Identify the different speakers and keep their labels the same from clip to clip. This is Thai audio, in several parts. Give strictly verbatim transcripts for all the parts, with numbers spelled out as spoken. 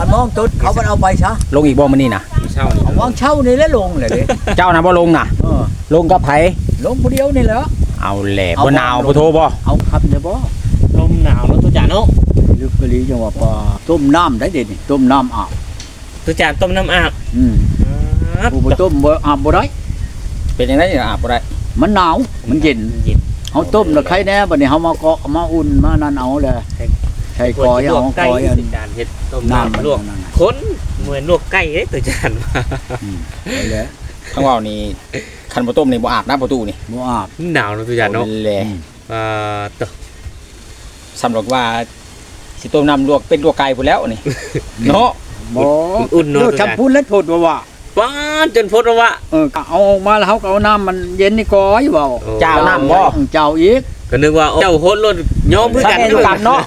Speaker 1: นมองตุดเขามันเอาไปซะ
Speaker 2: ลงอีกบ่มื้อนี้น่ะ
Speaker 3: เช่านี่
Speaker 1: เอาวางเช่านี่แล้วลงเลยดิ
Speaker 2: เจ้าน่ะบ่ลงน่ะ
Speaker 1: เออ
Speaker 2: ลงกับไผ
Speaker 1: ลงผู้เดียวนี่แหละ
Speaker 2: เอาแหละ
Speaker 1: เอา
Speaker 2: บ่หนาว
Speaker 1: ลง
Speaker 2: บ่โทรบ่
Speaker 1: เอาคำเดียวบ่
Speaker 3: ลมหนาวแล้วตุจานเนาะ
Speaker 1: ลึกกะลีจังว่าปลาต้มน้ำได้เด็ดนี่ต้มน้ำอาบ
Speaker 3: ตุจานต้มน้ำอาบ
Speaker 1: อืมผู้บ่ต้มบ่อาบบ่ได้
Speaker 2: เป็นจังได๋อาบบ่ได้
Speaker 1: มันหนาวมันเย็น
Speaker 3: เย็น
Speaker 1: เฮาต้มแล้วใครแน่บัดนี้เฮามาเกาะมาอุ่นมานั่นเอาแหละใช้กอยเอา
Speaker 3: ไก่
Speaker 1: กอยอัน
Speaker 3: ตุจานเฮ็ดต้ม
Speaker 1: น้ำมัน
Speaker 3: น้ำลวก
Speaker 1: นั่นน่ะ
Speaker 3: คนเหมือนลวกไก่เด้ตุจาน
Speaker 1: อืมไปแล้ว
Speaker 2: ทั้งเว้านี่คันบ่ต้มนี่บ่อาบน้ำประตูนี่
Speaker 1: บ่อาบ
Speaker 3: หนาวแล้วตุจานเนาะ
Speaker 2: เอาแหละ
Speaker 1: อืม
Speaker 3: อ่าตะ
Speaker 2: สำหรับว่าสิต้มน้ำลวกเป็นลวกไก่พุ่นแล้วนี่ เนาะ
Speaker 1: บ่
Speaker 3: อุ่นๆเนาะ
Speaker 1: เดี๋ยว
Speaker 3: ตุ
Speaker 1: จั
Speaker 3: จา
Speaker 1: บ
Speaker 3: น
Speaker 1: พูนแล้วโทษว่าว่า
Speaker 3: ป้านจนพดว่า
Speaker 1: เออเอาออกมาแล้วเฮาก็เอาน้ำมันเย็นนี่กอยเว้า
Speaker 2: เจ้าน้ำบ่
Speaker 1: เจ้าอีก
Speaker 3: ก็นึกว่าเจ้าโคตรรถยอมเพื่อกัน
Speaker 2: แม่นกันเนาะ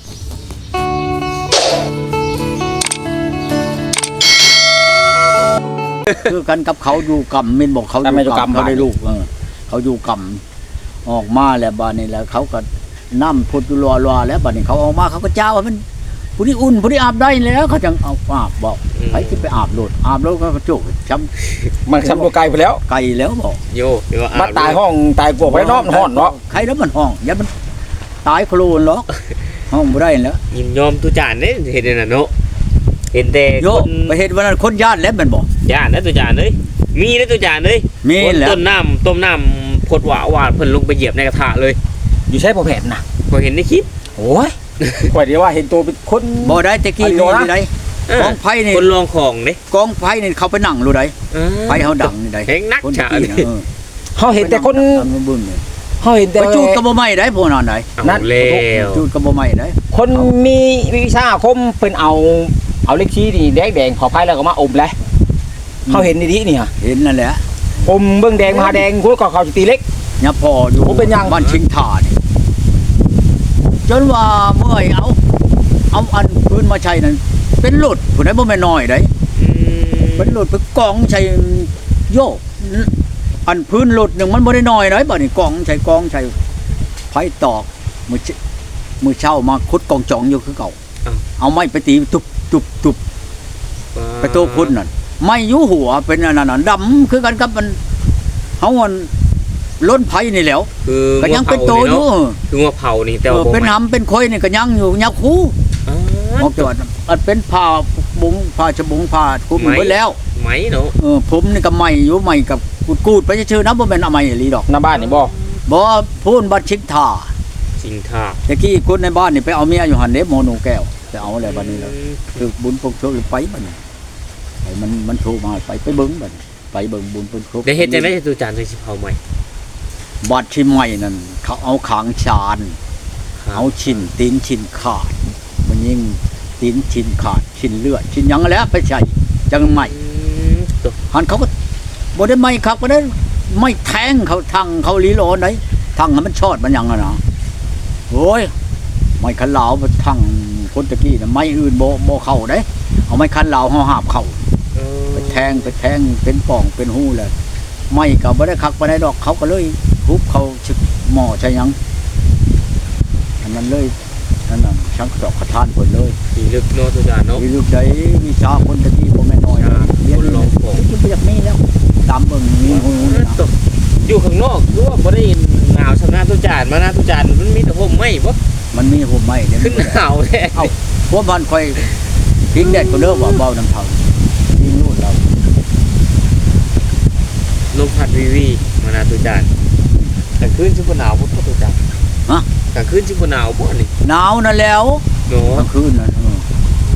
Speaker 1: คือกันกับเขาอยู่กรรมแม่นบอกเขาอยู่กรรมเขาได้ลูกเออเขาอยู่กรรมออกมาแล้วบัดนี้แล้วเขาก็น้ำพุดอยู่รัวๆแล้วบัดนี้เขาออกมาเขาก็เจ้าว่ามันผู้ที่อุ่นผู้ที่อาบได้แล้วเขาจังเอาอาบบอกไผสิไปอาบโลดอาบแล้วก็กระจุกช้ำ
Speaker 2: มันซ้ำลวกไก่พุ่นแล้ว
Speaker 1: ไก่แล้วบอก
Speaker 3: โยเดี๋ยว
Speaker 2: มาตายห้องตายกวกไว้เนาะมันฮ้อนเนาะ
Speaker 1: ใครแล้วมันห้องอย่ามันตายโคลนหรอกห้องบ่ได้แล้ว
Speaker 3: ยินยอมตุจานเด้เห็นนั่นเนาะเห็นแต่
Speaker 1: โย
Speaker 3: คน
Speaker 1: ไปเห็นวันนั้นคนญาติแล้วแมันบอก
Speaker 3: ย่านนะตุจานเอ้ยมีนะตุจานเอ้ย
Speaker 1: มี
Speaker 3: คน
Speaker 1: แล้ว
Speaker 3: ต้นน้ำต้มน้ำพดหวาหวานเพิ่นลงไปเหยียบในกระทะเลย
Speaker 2: อยู่ใช้บ่แผนน่ะ
Speaker 3: พอเห็นในคลิป
Speaker 2: โอ้ยข่อยเดียวว่าเห็นตัวเป็นคน
Speaker 1: บ่ได้ตะกี้
Speaker 2: อันนี้
Speaker 1: มี
Speaker 2: โดนนะ
Speaker 1: นี่ได
Speaker 3: เออก
Speaker 1: องไฟนี่
Speaker 3: คนลองของเด้
Speaker 1: กองไฟนี่เขาไปนั่งรู้ได
Speaker 3: เออ
Speaker 1: ไฟเฮาดังนี่ได
Speaker 3: เฮงนัก
Speaker 1: คน
Speaker 3: ฉะ
Speaker 1: ตะกี้
Speaker 3: นี่
Speaker 1: นะเออ
Speaker 2: เฮาเห็นแต่คน
Speaker 1: ตามมาเบิ่งนี่
Speaker 2: เฮาเห็นแต่
Speaker 1: ไปจูดก็บ่ไหม้ได้พวกนั้นได้
Speaker 3: เอา
Speaker 2: นั่น
Speaker 3: แล้ว
Speaker 1: จูดก็บ่ไหม้ได้
Speaker 2: คนมีวิชาอาคมเพิ่นเอาเอาเล็กชี้นี่แดงๆขอไผแล้วก็มาอมเลยเฮาเห็นดีๆนี่ฮะ
Speaker 1: เห็นนั่นแหละ
Speaker 2: อมเบิ่งแดงมาแดงกูก็เขาสิตีเล็ก
Speaker 1: ยับพออยู่
Speaker 2: ผมเป็นยัง
Speaker 1: บ้านชิงท่านี่จนว่าเมื่อยเอาเอาอันพื้นมาใช้นั่นเป็นหลุดผู้ใดบ่แม่นน้อยได้
Speaker 3: อืม
Speaker 1: เป็นหลุดไปกองใช้โยกอันพื้นหลุดหนึงมันบ่ได้น้อยได้บัดนี้กองใช้กองใช้ไผตอกมือเชมือเช้ามาขุดกองจองอยู่คือเก่าเอาไม้ไปตีตุบตุบตุบไปโตพุ่นนั่นไม้อยู่หัวเป็นอันนั้นนะดำคือกันกับมันเฮามันล้นไผนี่แหล้ว
Speaker 3: คือ
Speaker 1: ก็ยังเป็นโตอยู่
Speaker 3: คือว่าเผานี่แต่
Speaker 1: เอ
Speaker 3: ว่า
Speaker 1: อเป็นหำเป็นคอยนี่ก็ยังอยู่ยักคู่
Speaker 3: อ๋อ
Speaker 1: ออกจากอันเป็นผ้าบุงผ้าชะบุงผ้าคลุมไว้แล้ว
Speaker 3: ไหมเนาะ
Speaker 1: เออผมนี่ก็ใหม่อยู่ใหม่กับกูดๆไปชื่อๆนะบ่แม่นเอาใหม่อีหลีดอก
Speaker 2: หน้าบ้านนี่บ่
Speaker 1: บ่พูนบัดชิกท่า
Speaker 3: สิงท่า
Speaker 1: ตะกี้คนในบ้านนี่ไปเอาเมียอยู่หั่นเด้โมโนแก้วไปเอาอะไรบัดนี้แล้วคือบุญปกโชคไปบัดนี้ไปมันมันโทรมาไปไปเบิ่งบัดนี้ไปเบิ่งบุญปกโชค
Speaker 3: ได้เฮ็ดจังได๋ตุจานถึงสิเผาใหม่
Speaker 1: บัดที่ใหม่นั่นเขาเอาขางชานเอาชิ้นตีนชิ้นขาดมันยิ่งตีนชิ้นขาดชิ้นเลือดชิ้นหยังแล้วไปใช้จังใหม่
Speaker 3: อืมตัว
Speaker 1: หันเขาก็บ่ได้ไม่ครับบ่ได้ไม่แทงเขาทางเขาลีโลไหนทางให้มันชอดมันหยังอะนะโอ้ยไม่คันเหลาไปทางคนตะกี้น่ะไม่อื่นบ่บ่เข้าเด้เอาไม้คันเหลาเฮาหาบเข้า
Speaker 3: เออ
Speaker 1: ไปแทงไปแทงเป็นป่องเป็นหูเลยไม่ก็บ่ได้คักบ่ได้ดอกเขาก็เลยทุบเขาชึกหม้อใช่หยังอันนั้นเลยนั่นน่ะชังดอกกระทานเพิ่นเลย
Speaker 3: สิลึกเนาะตุจานเนาะ
Speaker 1: วิลูกใดวิชาคนตะกี้บ่แม่นน้อยนะเรียน
Speaker 3: คนลองของ
Speaker 1: มันบ่อยากมีแล้วตามเบิ่งมีหูนะ
Speaker 3: อยู่ข้างนอกคือว่าบ่ได้หนาวชำนาญตุจานมานะตุจานมันมีแต่ห่มไหมบ่
Speaker 1: มันมีห่มไหม้เดี๋ยว
Speaker 3: ขึ้น
Speaker 1: นี้
Speaker 3: หนาวแท้
Speaker 1: เอ้าพวกมันค่อยทิ้งแดดก็เลิกว่าเบาน้ำเผาทิ้งนู่นเรา
Speaker 3: ลมพัดวีวีมานะตุจานกลางคืนสิบ่หนาวบ่ตุจาน
Speaker 1: ฮะ
Speaker 3: กลางคืนสิบ่หนาวบ่นี่
Speaker 1: หนาวนั่นแล้ว
Speaker 3: เนาะ
Speaker 1: กลางคืนนั่นเออ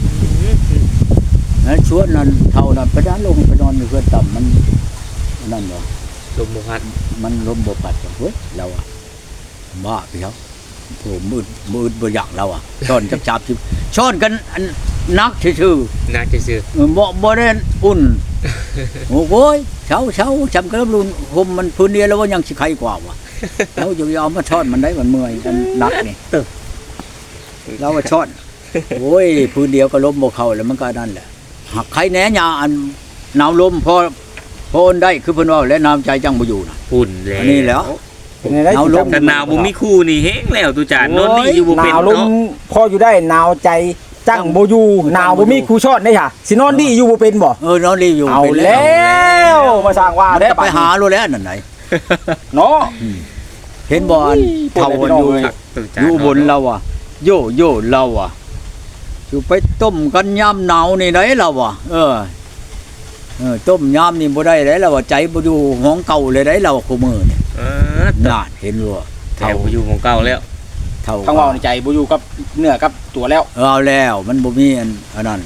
Speaker 1: แล้วชวนนั้นเท่านั้นไปด้านลงไปนอนอยู่เพื่อนต่ำมันนั่นเหรอ
Speaker 3: ลมบ่พัด
Speaker 1: มันลมบ่ปัดว่ะเฮ้ยเราอะบ้าไปครับโหมืดมืดบ่อยากเราอะช้อนจับจับชิบช้อนกันอันนักชื่อ
Speaker 3: น่าจะซื้อ
Speaker 1: ๆเออบ่บ่ได้อุ่นโอ้โว้ยเช้าเช้าจำกระลุนห่มมันพื้นเดียวแล้วว่ายังสิใครกว่าวะเราจะยอมมาช้อนมันได้มันเมื่อยกันนักนี่เราว่าช้อนโอ้ยพื้นเดียวก็ล้มบ่เข้าแล้วมันก็นั่นแหละหักใครแหน่ยาอันหนาวลมพอพอได้คือเพิ่นว่าและน้ำใจจังบ่อยู่น่ะ
Speaker 3: ฝุ่นแล้ว
Speaker 1: อันนี้แหล้ว
Speaker 2: เป็นไงได้
Speaker 1: เอาลง
Speaker 3: แต่หนาวบ่มีคู่นี่แห้งแล้วตุจาน
Speaker 1: โอ้
Speaker 3: น
Speaker 1: ย
Speaker 3: อนนี่อยู่บ่
Speaker 2: ห
Speaker 3: เป็น
Speaker 2: นาวลม
Speaker 3: เนาะ
Speaker 2: พออยู่ได้หนาวใจจังบ่อยู่หนาวบ่มีครูชอดได้ค่ะสินอนดีอยู่บ่เป็นบ่
Speaker 1: เออนอนรีอยู่
Speaker 2: เอา
Speaker 1: เป็น
Speaker 2: แล้วมาสร้างว่า
Speaker 1: มัน
Speaker 2: ได้
Speaker 1: จะไปหารู้แล้วนั่นไหน
Speaker 2: เนาะ
Speaker 1: เห็นบ่อันเท่าอันอยู่
Speaker 3: ตู้จาน
Speaker 1: อยู่บนเราอ่ะโยโย่เราอ่ะอยู่ไปต้มกันยามหนาวนี่ได้เราอ่ะเออเออต้มยามนี่บ่ได้ได้เราอ่ะใจบ่อยู่ห้องเก่าเลยได้เราคู่มือนี่
Speaker 3: เออ
Speaker 1: น่าเห็นบ่
Speaker 3: แถวอยู่ของเก่าแล้ว
Speaker 1: เท่า
Speaker 2: ทางเว้าในใจบ่อยู่กับเนื้อกับตัวแล้ว
Speaker 1: เออเอาแล้วมันบ่มีอันอันนั้น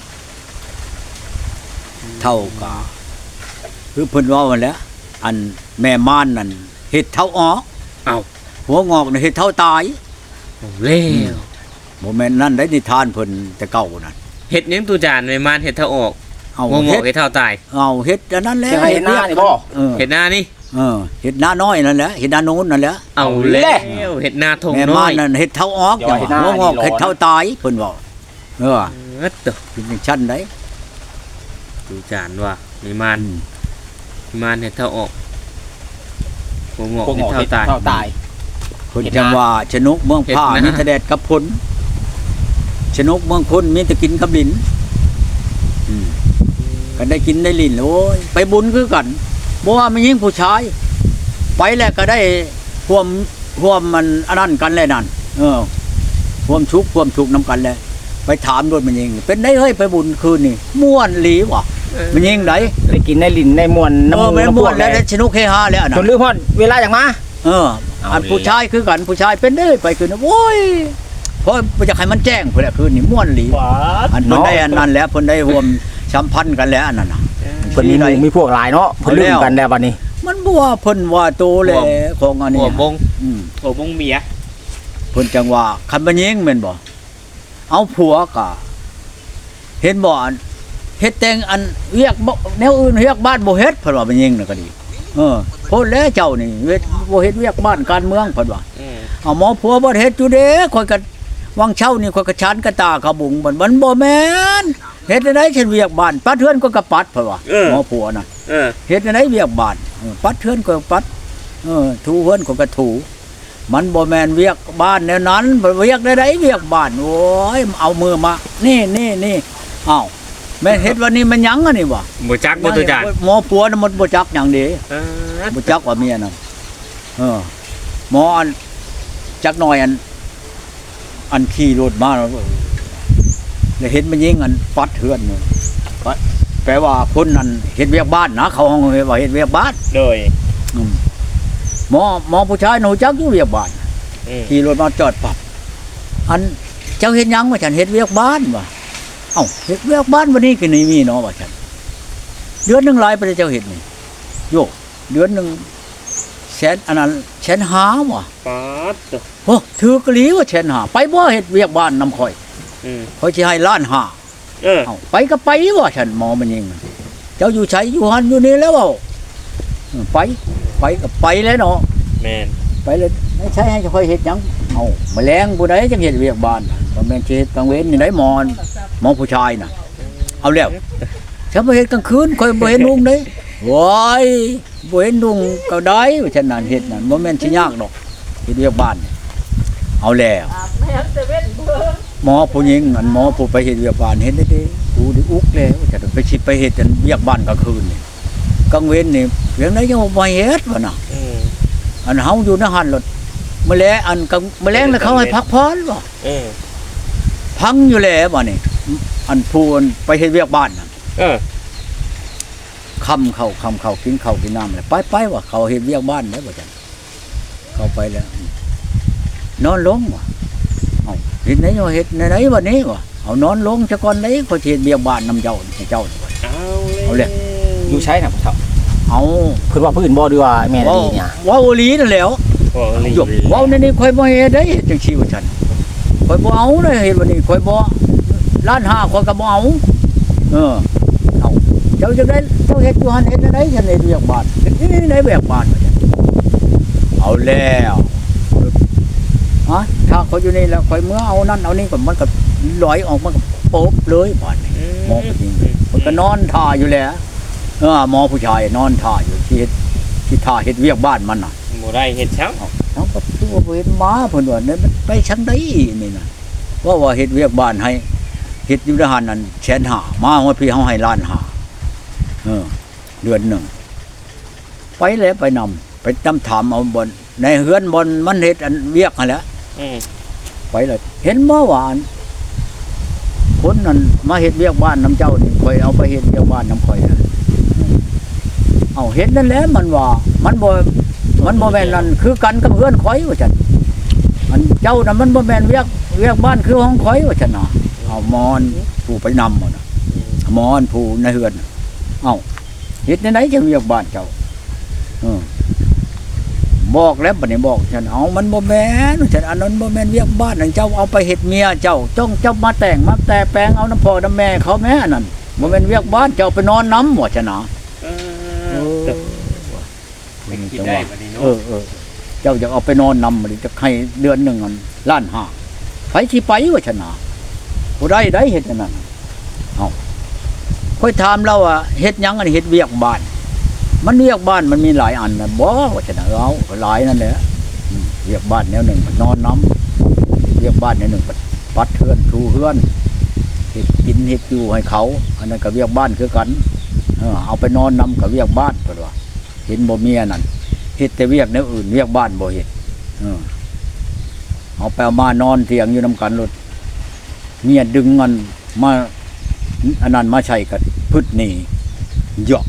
Speaker 1: เท่ากะคือเพิ่นว่ามันแหล้วอันแม่ม่านนั่นเฮ็ดเท่าออก
Speaker 3: เอ้า
Speaker 1: หัวงอกนี่เฮ็ดเท่าตาย
Speaker 3: เอาแล้ว
Speaker 1: บ่แม่นนั่นได้นิทานเพิ่นแต่เก่านั่น
Speaker 3: เฮ็ดหยังตู้จานไม่มานเฮ็ดเท่าออก
Speaker 1: เอา
Speaker 3: งง
Speaker 1: เฮ็ด
Speaker 3: ๆเฮ็ดเท่าตาย
Speaker 1: เอาเฮ็ดอันนั้นแหละ
Speaker 2: จะให้เฮ็ดหน้านี่บ่
Speaker 1: เออ
Speaker 3: เฮ็ดหน้านี่
Speaker 1: เออเฮ็ดหน้าน้อยนั่นแหละเฮ็ดหน้าโน้นนั่นแหละ
Speaker 3: เอา
Speaker 2: เอา
Speaker 3: แล้
Speaker 2: แล้ว
Speaker 3: วเฮ็ดหน้าทง
Speaker 1: แม่
Speaker 3: น้
Speaker 1: ม่า
Speaker 3: อน ย
Speaker 1: นั่นเฮ็ดเท่าออก
Speaker 2: เดี๋ยว
Speaker 1: จัง
Speaker 2: เฮ็ดหน้า
Speaker 1: หัวงอก
Speaker 2: นี่ร้อน
Speaker 1: เฮ็ดเท่าตายเพิ่นบอกเออ
Speaker 3: เออตัว
Speaker 1: เป็นจังชั้นได้
Speaker 3: ตู้จานว่าไม่มาน
Speaker 1: อืม
Speaker 3: ไม่มานเฮ็ดเท่าออกงง
Speaker 2: พวก
Speaker 3: ๆ
Speaker 2: หม
Speaker 3: เฮ็
Speaker 2: อ
Speaker 3: ดเท่า
Speaker 2: เฮ็ด
Speaker 3: ตาย
Speaker 2: เท่าตาย
Speaker 1: เพิ่น
Speaker 2: เฮ็ด
Speaker 1: จัง
Speaker 2: หน้า
Speaker 1: ว่าชนกเมืองผ้า
Speaker 3: เฮ็ดหน้า
Speaker 1: มีแต่แดดกับฝนชนกเมืองคนมีแต่กินกับลิ้นอืมก็ได้กินได้ลิ้นโอ้ยไปบุญคือกันบ่ว่ามันยิ่งผู้ชาย ไปแล้วก็ได้ร่วมร่วมมันอันนั้นกันเลยนั่นเออร่วมชุกร่วมชุกนํกันเลยไปถามด้วยมันยิงเป็นได้เฮ้ยไปบุญคืนนี่ม่วนหลีวะมันยิงได
Speaker 2: ได้กินได้ลิ้นได้มวน
Speaker 1: เออ
Speaker 2: น้ำ
Speaker 1: แม่น
Speaker 2: น้ำ
Speaker 1: ม่วน
Speaker 2: พ
Speaker 1: แล้ว
Speaker 2: ก
Speaker 1: ได้สนุกเฮฮาแล้วอัน
Speaker 2: จ
Speaker 1: น่ะ
Speaker 2: นลืมฮอดเวลาอย่างมา
Speaker 1: เออ
Speaker 2: เอา
Speaker 1: อัน
Speaker 2: เลย
Speaker 1: ผู้ชายคือกันผู้ชายเป็นได้ไปคืนโอ้ยเพราะอยากให้มันแจ้งพุ่นแหละคืนนี่ม่วนหลีอันเพิ่นได้อันนั้นแล้วเพิ่นได้ร่วมสัมพันธ์กันแล้วอันนั้นน่ะ
Speaker 2: เพิ่นมีหมู่มีพวกหลายเนาะเพิ่นลืมกันแล้วบัดนี้
Speaker 1: มันบ่ว่าเพิ่นว่าโตแหละของอันนี้
Speaker 3: หัวบง
Speaker 1: อืม
Speaker 3: หัวบงเมีย
Speaker 1: เพิ่นจังว่าคันบ่ยิงแม่นบ่เอาผัวก็เห็นบ่อันเฮ็ดแต่งอันเรียกบ่แนวอื่นเรียกบ้านบ่เฮ็ดเพิ่นว่าบ่ยิงน่ะก็ดีเออโพดแล้วเจ้านี่เฮ็ดบ่เฮ็ดเรียกบ้านการเมืองเพิ่นว่า
Speaker 3: อืม
Speaker 1: เอาหมอผัวบ่เฮ็ดอยู่เด้ข่อยก็วังเช่านี่ข่อยก็ชานกระตาขบุงมันมันบ่แม่นเฮ็ดได้ฉันเวียกบ้านปัดเทือนก็กระปัดเพิ่นว่าหมอผัวน่ะ
Speaker 3: เออ
Speaker 1: เฮ็ดได้เวียกบ้านเออปัดเทือนก็ปัดเออถูเฮือนก็กระถูมันบ่แม่นเวียกบ้านแนวนั้นบ่เวียกได้ไดเวียกบ้านโอ้ยเอามือมา นี่นี่นี่อ้าวแม่นเฮ็ดวันนี้มันหยังอันนี้บ่
Speaker 3: บ่จักบ่ตู้จาน
Speaker 1: หมอผัวน่ะมันบ่จักหยังเด้
Speaker 3: เออ
Speaker 1: บ่จักว่าเมียน่ะเออหมออันจักหน่อยอัน อันขี่รถมาแล้วแล้วเห็นมันยิงอันปัดเฮือนนี่ปัดแปลว่าคนนั้นเฮ็ดเวียกบ้านนะเขาห้องว่าเฮ็ดเวียกบ้าน
Speaker 3: โดย
Speaker 1: อืมหมอหมอผู้ชายหนูจักอยู่เวียกบ้าน
Speaker 3: อืม
Speaker 1: ขี่รถมาจอดปรับอันเจ้าเฮ็ดหยังว่าฉันเฮ็ดเวียกบ้านว่ะเอ้าเฮ็ดเวียกบ้านวันนี้ก็นี่มีเนาะว่าฉันเดือนหนึงหลายไปเลยเจ้าเฮ็ดนี่โยกเดือนหนึงแสนอันนั้นแสนห้าว่ะ
Speaker 3: ป๊าดตัว
Speaker 1: โอ้ถือกะหลีว่าแสนห้าไปบ่เฮ็ดเวียกบ้านนำข่อย
Speaker 3: อืม
Speaker 1: ข่อยสิให้ล้านห้า
Speaker 3: เออ
Speaker 1: เอ้าไปก็ไปว่าฉันหมอมันยิงเจ้าอยู่ไสอยู่หันอยู่นี่แล้วเว้าเออไปไปก็ไปแล้วเนาะ
Speaker 3: แม่น
Speaker 1: ไปเลยไม่ใช่ให้ค่อยเฮ็ดหยังเอาแมลงผู้ใดจังเฮ็ดเวียกบ้านบ่แม่นสิเฮ็ดกลางเว้นนี่ได้หมอนหมอผู้ชายน่ะเอาแล้วฉันบ่เฮ็ดกลางคืนค่อยบ่เห็นลุงเด้โว้ยบ่เห็นลุงก็ได้ว่าฉันนั่นเฮ็ดนั่นบ่แม่นสิยากดอกเฮ็ดเวียกบ้านเอาแล้วหมอผู้หญิงอันหมอผู้ไปเฮ็ดเวียกบ้านเฮ็ดได้เด้กูได้อุกแล้วจะไปสิไปเฮ็ดอันเวียกบ้านกลางคืนนี่กลางเว้นนี่เพียงใดยังบ่เฮ็ดวะน่ะ
Speaker 3: อืม
Speaker 1: อันเฮาอยู่ในหันรถแมลงอันกับแมลงแล้วเขาให้พักผ่อนบ่
Speaker 3: เออ
Speaker 1: พังอยู่แล้วบ่นี่อันพูนไปเฮ็ดเวียกบ้านน่ะ
Speaker 3: เออ
Speaker 1: ค่ำเข้าค่ำเข้ากินข้าวกินน้ำแล้วไปๆว่าเขาเฮ็ดเวียกบ้านได้บ่จังเข้าไปแล้ว นอนลงว่ะเอ้าเฮ็ดไหนอยู่เฮ็ดไหนๆวันนี้ว่ะเอานอนลงซะก่อนได้เขาสิเฮ็ดเวียกบ้านนำเจ้าให้เจ้านี่ว่ะ
Speaker 3: เอา
Speaker 1: เอาเลย
Speaker 2: อยู่ใช้น่ะพ่อเฒ่า
Speaker 1: เอา
Speaker 2: เพิ่นว่าพื้นบ่ดีว่าแม่น
Speaker 1: เว้า
Speaker 2: ดีเนี่ย
Speaker 1: เว้าอีหลีนั่นแหล้ว
Speaker 3: โอ้ลี
Speaker 1: ยกเว้าในนี้ข่อยบ่เฮ็ดได้จังซี่ว่าซั่นข่อยบ่เอาเลยเฮ็ดวันนี้ข่อยบ่ล้านห้าข่อยก็บ่เอาเออเอาเจ้าจังได๋เจ้าเฮ็ดอยู่หั่นเฮ็ดได้ฉันเฮ็ดเวียกบ้านนี่ในเวียกบ้านว่าซั่นเอาแล้วฮะถ้าข่อยอยู่นี่แล้วข่อยเมื่อเอานั่นเอานี่ก็มันก็ลอยออกมันก็โป๊บเลยบ้านนี่หมอผู้หญิงข่อยก็นอนท่าอยู่แล้วเออหมอผู้ชายนอนท่าอยู่ที่เฮ็ดที่ท่าเฮ็ดเวียกบ้านมันน่ะ
Speaker 3: บ่ได้เฮ็ดช้ำ
Speaker 1: เอาก็คือว่าบ่เห็นหมาเพิ่นว่าเนี่ยมันไปชังไดนี่น่ะว่าว่าเฮ็ดเวียกบ้านให้เฮ็ดอยู่ในหันนั่นแสนห้ามาฮอดพี่เฮาให้ล้านห้าเออเดือนหนึ่งไปแล้วไปนำไปตำถามเอาบนในเฮือนบนมันเฮ็ดอันเวียกนั่นแหละ
Speaker 3: อืม
Speaker 1: ไปเลยเห็นบ่ว่าอันคนนั้นมาเฮ็ดเวียกบ้านน้ำเจ้านี่ข่อยเอาไปเฮ็ดเวียกบ้านน้ำข่อยนะเอาเห็นนั่นแหละมันว่ามันบ่มันบ่แม่นนั่นคือกันกับเฮือนข่อยว่าซั่นอันเจ้าน่ะมันบ่แม่นเวียกเวียกบ้านคือของข่อยว่าซั่นน่ะเอามอนผู้ไปนำบ่น่ะมอนผู้ในเฮือนน่ะเอ้าเฮ็ดในไหนจะเวียกบ้านเจ้าเออบอกแล้วบัดนี้บอกฉันเอามันบ่แม่นฉันอันนั้นบ่แม่นเวียกบ้านนั่นเจ้าเอาไปเฮ็ดเมียเจ้าจ้องเจ้ามาแต่งมาแต่แปลงเอาน้ำพ่อน้ำแม่เขาแม่นั่นบ่แม่นเวียกบ้านเจ้าไปนอนน้ำบ่ฉันน่ะ
Speaker 3: เออแต่ไม่คิดได้บัดนี้เนาะ
Speaker 1: เออเออเจ้าอยากเอาไปนอนนำมันจะให้เดือนหนึ่งอันล้านห้าไปที่ไปว่าชนะผู้ใดได้เฮ็ดอันนั้นเอาค่อยถามเราว่าเฮ็ดหยังอันเฮ็ดเวียกบ้านมันเวียกบ้านมันมีหลายอันนะบ่ว่าชนะเอาหลายนั่นแหละอืมเวียกบ้านแนวหนึ่งมันนอนน้ำเวียกบ้านแนวหนึ่งปัดเฮือนทูเฮือนเฮ็ดกินเฮ็ดอยู่ให้เขาอันนั้นก็เวียกบ้านคือกันเออเอาไปนอนนำกับเวียกบ้านเพิ่นว่าเห็นบ่มีอันนั้นเฮ็ดแต่เวียกแนวอื่นเวียกบ้านบ่เฮ็ดเออเอาไปเอามานอนเถียงอยู่นำกันรถเมียดึงเงินมาอันนั้นมาใช้กันพึดหนี่เหยาะ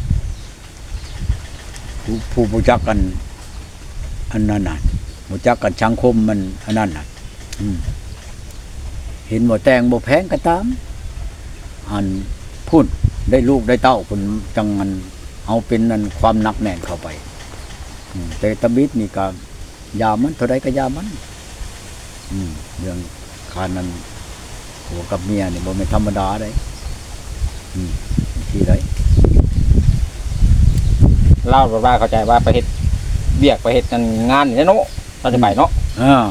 Speaker 1: ผู้ผู้รู้จักกันอันนั้นน่ะรู้จักกันสังคมมันอันนั้นน่ะอืมเห็นบ่แต่งบ่แพงก็ตามอันพูดได้ลูกได้เต้าคนจังอันเอาเป็นนั่นความหนักแน่นเข้าไปแต่ตะบิดนี่ก็ยามันเท่าไรก็ยามันอืมเรื่องคานนั้นหัวกับเมียนี่บ่แม่นธรรมดาได้อืมที่ไร
Speaker 2: เล่าว่าเข้าใจว่าไปเฮ็ดเบียกไปเฮ็ดงานนี่เนาะเราจะไปเนาะ
Speaker 1: อ่า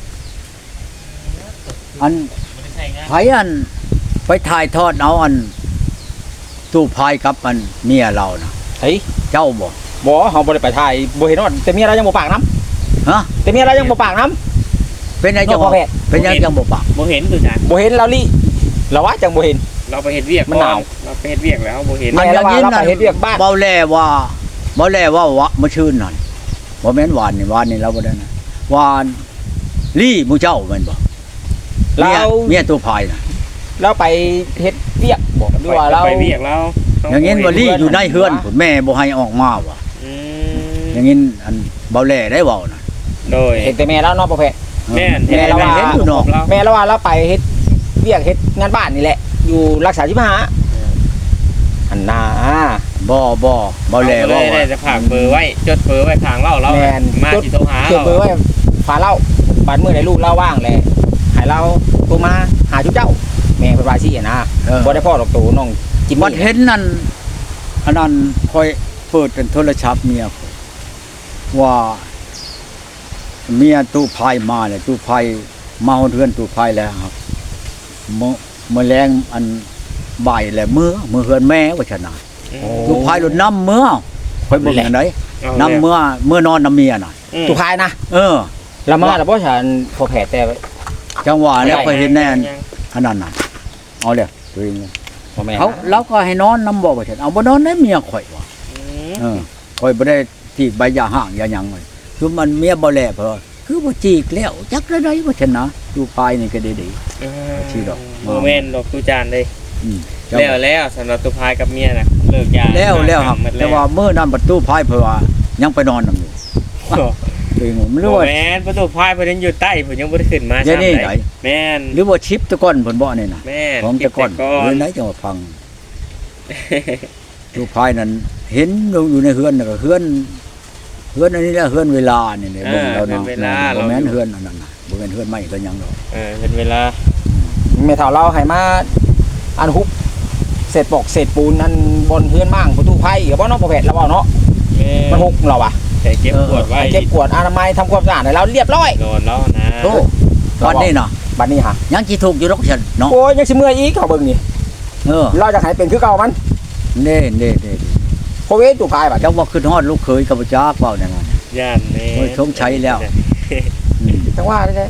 Speaker 1: อันไผอันไปถ่ายทอดเอาอันตู้พายกับอันเมียเราน่ะ
Speaker 2: เฮ้ย
Speaker 1: เจ้าบ่
Speaker 2: บ่เฮาบ่ได้ไปถ่ายบ่เห็นว่าแต่เมียเรายังบ่ปากน้ำ
Speaker 1: ฮะ
Speaker 2: แต่เมียเรายังบ่ปากน้ำ
Speaker 1: เป็นไงจัง
Speaker 2: บ่
Speaker 1: บ่
Speaker 2: แพทย์
Speaker 1: เป็นยังจังบ่ปาก
Speaker 3: บ่เห็นตัวจาน
Speaker 2: บ่เห็นเราลี่เราว่าจังบ่เห็น
Speaker 3: เราไปเฮ็ดเวียก
Speaker 2: มันหนาว
Speaker 3: เราไปเฮ็ดเวียกแล้วบ่เห็น
Speaker 2: แม่
Speaker 1: อันอย่างนี้
Speaker 2: เรา
Speaker 1: นั่น
Speaker 2: ไปเฮ็ดเวียกบ้าน
Speaker 1: เบาแลว่าเบาแลว่าวะมาชื่นนั่นบ่แม่นหวานนี่หวานนี่เราบ่ได้นะหวานลี่หมู่เจ้าแม่นบ่
Speaker 2: เรา
Speaker 1: เมียเมียตัวพายน่ะ
Speaker 2: เราไปเฮ็ดเวียกบ่หรือว่าเรา
Speaker 3: ไปเวียกแล้ว
Speaker 1: อย่างงี้บ่ลี่อยู่ในเฮือนพุ่นแม่บ่ให้ออกมาว่ะ
Speaker 3: อืม
Speaker 1: อย่างงี้อันเบาแลได้เว้าน่ะ
Speaker 3: โดย
Speaker 2: เห็นแต่แม่เราเนาะบ่แพ้
Speaker 3: แม่น
Speaker 2: แม่เราว่า
Speaker 1: เห็นอยู่เนาะ
Speaker 2: แม่เราว่าเราไปเฮ็ดเวียกเฮ็ดงานบ้านนี่แหละ อยู่รักษาสิบห้าอันน่ะ
Speaker 1: บ่บ่เบาแล
Speaker 3: เล
Speaker 1: ว่าย
Speaker 3: ได้
Speaker 1: ว่า
Speaker 3: จะฝากเบอร์ไว้จดเบอร์ไว้ทางเราเรา
Speaker 2: แม่น
Speaker 3: มาสิโทรหา
Speaker 2: เก็บ
Speaker 3: เรา
Speaker 2: เบอร์ไว้ฝาเล่าบาดมื้อใดลูกเล่าว่างแหละให้เราโทรมาหาจุ๊บเจ้า แม่เพิ่นว่าสินะ
Speaker 1: เออ
Speaker 2: บ่ได้พ่อดอกตูน้องจิม
Speaker 1: บัด
Speaker 2: มี่
Speaker 1: เห็นนั่นอันนั้นค่อยเปิดเป็นโทรศัพท์เมียข้อยว่าเมียตู้พายมาเนี่ยตู้พายมาเฮือนตู้พายแล้วครับมื้อมื้อแรงอันบ่ายแล้วมื้อมื้อเฮือนแม่ว่าชนะ
Speaker 3: โอ้
Speaker 1: ตู้พายรถน้ำมื้อค่อยเบิ่งอันใดน้ำมื้อมื้อนอนน้ำเมียน่ะ
Speaker 2: ตุพายนะ
Speaker 1: เออ
Speaker 2: ละมาแล้วบ่ฉันพอแผลแต่
Speaker 1: จังหวะแล้ว
Speaker 2: ไม่ได้
Speaker 1: ค่อยเห็นแน่นอันนั้นน่ะเอาเลยตัวเอง
Speaker 2: พ่อแม่
Speaker 1: เขาเราก็ให้นอนน้ำบ่ว่าฉันเอาบ่นอนได้เมียข่อยว่ะ เออคอยบ่ได้จีกใบยาห่างยาหยังเลยคือมันเมียบ่แลเพอคือบ่จีกแล้วจักได้ได้บ่ชนะอยู่ปลายนี่ก็ดี ชื่อดอก
Speaker 3: โมเมนต์ดอกตูจานเลย
Speaker 1: ๆอืมเจ้า
Speaker 3: แล้วแล้วสำหรับตุพายกับเมียน่ะเลิกยา
Speaker 1: แล้วแล้วครับ
Speaker 3: หมด
Speaker 1: แต่ว่ามื้อนั้นประตูพายเพิ่นว่ายังไปนอนนํอยู่ตัวเองไม่
Speaker 3: โม
Speaker 1: รู้ว่า
Speaker 3: แมนประตูพายเพิ่นยังอยู่ใต้เพิ่นยังบ่ได้ขึ้นมา
Speaker 1: เดี๋ยวนี้
Speaker 3: ซ้ำ
Speaker 1: ไหน
Speaker 3: แม่น
Speaker 1: หรือว่าชิปตะก้อนเพิ่นบ่นี่น่ะ
Speaker 3: แม่น
Speaker 1: ของตะก้อน
Speaker 3: เก็บ
Speaker 1: หรือไหนจังว่าพังตู้พายนั้นเห็นอยู่ในเฮือนน่ะก็เฮือนเฮือนอันนี้แหละเฮือนเวลานี่เนี่ยเบิ่งแล้วเนาะบ่แม่นเฮือนอันนั้นน่ะบ่แม่นเฮือนไม้เฮือนหยังดอก
Speaker 3: เออเป็นเวลา
Speaker 2: แม่เฒ่าเราให้มาอันฮุบเศษปอกเศษปูนนั่นบนเฮือนมั่งประตูไผ่ก็บ่เนาะพ่อแผลแล้วบ่เนาะ
Speaker 3: แม่
Speaker 2: มันฮุบเราอ่ะ
Speaker 3: แต่เก็บปวดไว้
Speaker 2: เก็บกวดอนามัยทำความสะอาดให้เราเรียบร้อย
Speaker 3: นอนแล้วนะ
Speaker 1: โธ่วันนี้น่ะ
Speaker 2: บัดนี้ฮะ
Speaker 1: ยังสิถูกอยู่ดอกฉันเนาะ
Speaker 2: โอ้ยยังสิเมื่อยอีกเขาเบิ่งนี่
Speaker 1: เออ
Speaker 2: เราจะให้เป็นคือเก่ามัน
Speaker 1: เน่เน่เน่
Speaker 2: โคเวตุพายบัด
Speaker 1: เจ้าว่าขึ้นฮอดลูกเคยกับจักเว้าแน่นอน
Speaker 3: ย่านนี่
Speaker 1: โอ้ยสงสัยแล้ว อืม
Speaker 2: จังว่าได้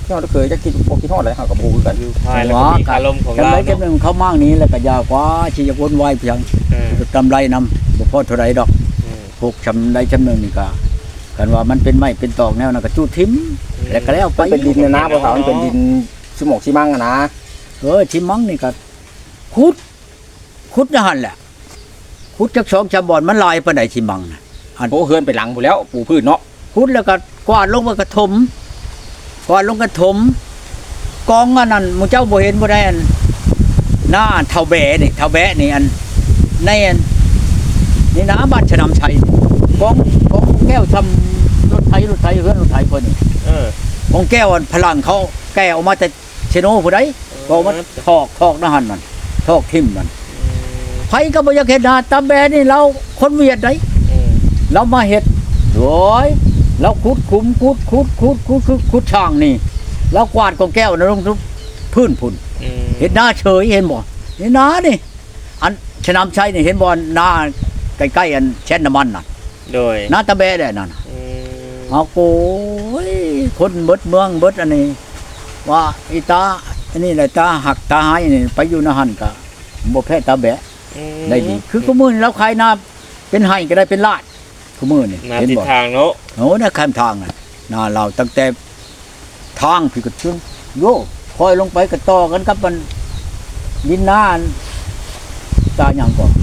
Speaker 2: ยอดเคยจะคิดบ่คิดฮอดเลยเฮาก็บ่ฮู้คือกัน
Speaker 3: อยู่ภายแล้วก็มีคารมของ
Speaker 1: จำ
Speaker 3: เรา
Speaker 1: ไรจำห
Speaker 3: เนาะ
Speaker 1: นึ่งเขามากนี้แล้วก็ยากว่าที่จะวนไหวเพียง
Speaker 3: เออก
Speaker 1: ำไรนำบ่พอเท่าไรดอก
Speaker 3: เออ
Speaker 1: พวกจำไรจำหนึ่งนี่ก็กันว่ามันเป็นไม้เป็นตอกแนวนั้นก็จูดทิ้มแล้วก็แล้วไป
Speaker 2: มันเป็นดินนะนะบ่เขามันเป็นดินสมองสิมังอะนะ
Speaker 1: เออชิมังนี่ก็ขุดขุดนะหั่นแหละขุดจักสองชาบอนมันลายปานใดชิมังน่ะ
Speaker 2: โอ้เฮือนไปหลังพู้นแล้วปลูกพืชเนาะ
Speaker 1: ขุดแล้วก็กวาดลงมากระถมกวาดลงกระถมกองอันนั้นหมู่เจ้าบ่เห็นบ่ได้อันหน้าเท่าแบะนี่เท่าแบะนี่อันในอันนี่นะบ้านชะนำชัยกองกองแก้วทำรถไถรถไถเฮือนรถไถเพิ่นนี่
Speaker 3: เออก
Speaker 1: องแก้วอันพลังเขาแก้วออกมาแต่เชโนผู้ใดบอกว่าทอกทอกนะหั่นนั่นทอกทิ่มนั่นไผก็บ่อยากเฮ็ดหน้าตาแบะนี่เราคนเวียดได้
Speaker 3: เออ
Speaker 1: เรามาเฮ็ดโดยเราขุดขุมขุดขุดขุดขุดขุดขุดช่างนี่เรากวาดกองแก้วนะลงทุกพื้นพุ่น
Speaker 3: อืม
Speaker 1: เห็นหน้าเฉยเห็นบ่เห็นหน้านี่อันชะนำชัยนี่เห็นบ่หน้าใกล้ๆอันแช่นน้ำมันน่ะ
Speaker 3: โดย
Speaker 1: หน้าตะแบะได้นั่นน่ะ
Speaker 3: อืม
Speaker 1: เอาโกยคนเบิดเมืองเบิดอันนี้ ว่าอีตาอันนี้แหละตาหักตาหายนี่ไปอยู่ในหั่นก็บ่แพ้ตาแบะ
Speaker 3: อืม
Speaker 1: ได้ดีคือกูมื้อนี้เราขายหน้าเป็นไห้ก็ได้เป็นลาดกูมื้อนี่
Speaker 3: นา
Speaker 1: เห็น
Speaker 3: ทิศ
Speaker 1: บ่
Speaker 3: ทางเนาะ
Speaker 1: โอ้นะข้ามทางน่ะหน้าเราตั้งแต่ทางพี่ก็ชึงโยคอยลงไปก็ต่อกันกับมันดินหน้าอันตาหยังก่อน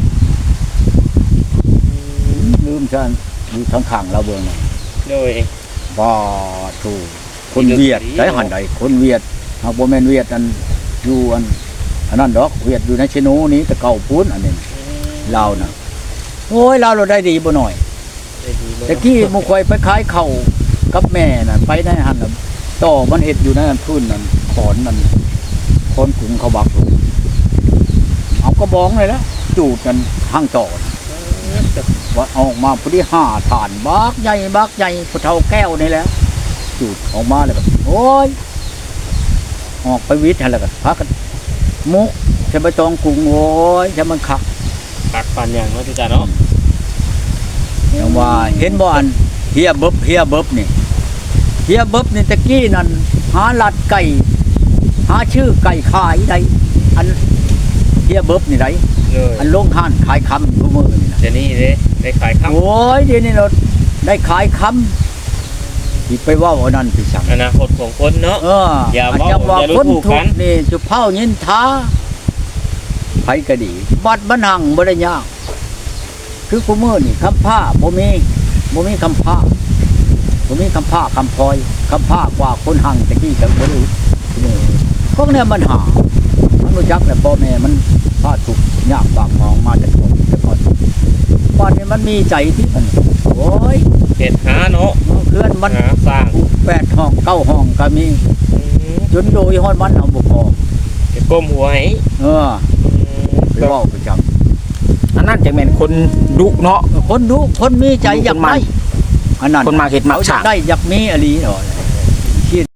Speaker 1: ลืมฉันอยู่ทางข้างเราเบิ่งน่ะ
Speaker 3: โดย
Speaker 1: บ่ถูกคนเวียดได้หันใดคนเวียดหากบ่แม่นเวียดอันอยู่อันอันนั้นดอกเวียดอยู่ในเชโนนี้แต่เก่าพูนอันนี้ลาวน่ะโอ้ยลาวเราได้ดีบ่หน่อย
Speaker 3: ได้ดีบ่
Speaker 1: ตะกี้หมู่ข่อยไปขายข้าวกับแม่น่ะไปในหั่นน่ะต่อมันเฮ็ดอยู่ในนั้นพื้นนั่นขอนนั่นขอนขุงเขาบักอยู่เอากระบองเลยละจูดกันทางต่อน่ะว่าเอาออกมาพอดีห้าฐานบักใหญ่บักใหญ่ผู้เฒ่าแก้วนี่แหละจูดออกมาแล้วก็โอ้ยออกไปวิทย์หั่นแล้วก็พากันมุกใช้ใบตองกรุงโอ้ยจะมันคัก
Speaker 3: ตักปานอย่างเนาะทุกท่านเนาะ
Speaker 1: อย่างว่าเห็นบ่อันเฮียเบิบเฮียเบิบนี่เฮียเบิบนี่ตะกี้นั่นหาลัดไก่หาชื่อไก่ขายได้อันเฮียเบิบนี่ได้
Speaker 3: เลย
Speaker 1: อันลงห้านขายคำทุกมื้อนี่นะ
Speaker 3: เดี๋ยวนี้เด้ได้ขายข้าว
Speaker 1: โอ้ยเดี๋ยวนี้เราได้ขายคำที่ไปเว่าเอานั่นพี่สั่ง
Speaker 3: อนาคตของคนเนาะ
Speaker 1: เออ
Speaker 3: อย่า
Speaker 1: อาจ
Speaker 3: เว้า
Speaker 1: จะว่า
Speaker 3: อย่าดู
Speaker 1: คน
Speaker 3: ถูก
Speaker 1: ทุ
Speaker 3: กั
Speaker 1: ก
Speaker 3: น
Speaker 1: ข์นี่จุเผายินท้าไผก็ดี บัดบันหังบ่ได้ยากคือกูมื้อนี่คำผ้าบ่มีบ่มีคำผ้าบ่มีคำผ้าคำพลอยคำผ้ากว่าคนหังตะกี้ก็บ่รู้พวกเนี้ยมันหามันรู้จักแหละพ่อแม่มันพาทุกข์ยากบากหมองมาแต่ก่อนแต่ก่อนบ้านนี้มันมีใจที่มันโอ้ย
Speaker 3: เฮ็ดหาเนาะ
Speaker 1: เคลื่อนมัน
Speaker 3: หาสร้าง
Speaker 1: แปดห้องเก้าห้องก็มี
Speaker 3: อืม
Speaker 1: จนโดยฮอดมันเอาบ่พอ
Speaker 3: เฮ็ดก้มหัวให้
Speaker 1: เออ
Speaker 3: อืม
Speaker 1: ไปเว้าประจำ
Speaker 2: อันนั้นจังแม่นคนดุเนาะ
Speaker 1: คนดูคนมีใจอยาก
Speaker 2: คนมั
Speaker 1: ได้
Speaker 2: น
Speaker 1: อันนั้น
Speaker 2: คนมาเฮ็ดมา
Speaker 1: เขาอ
Speaker 2: ส
Speaker 1: ยา
Speaker 2: ร้าก ง
Speaker 1: ได้อยากมีอหลีเนาะ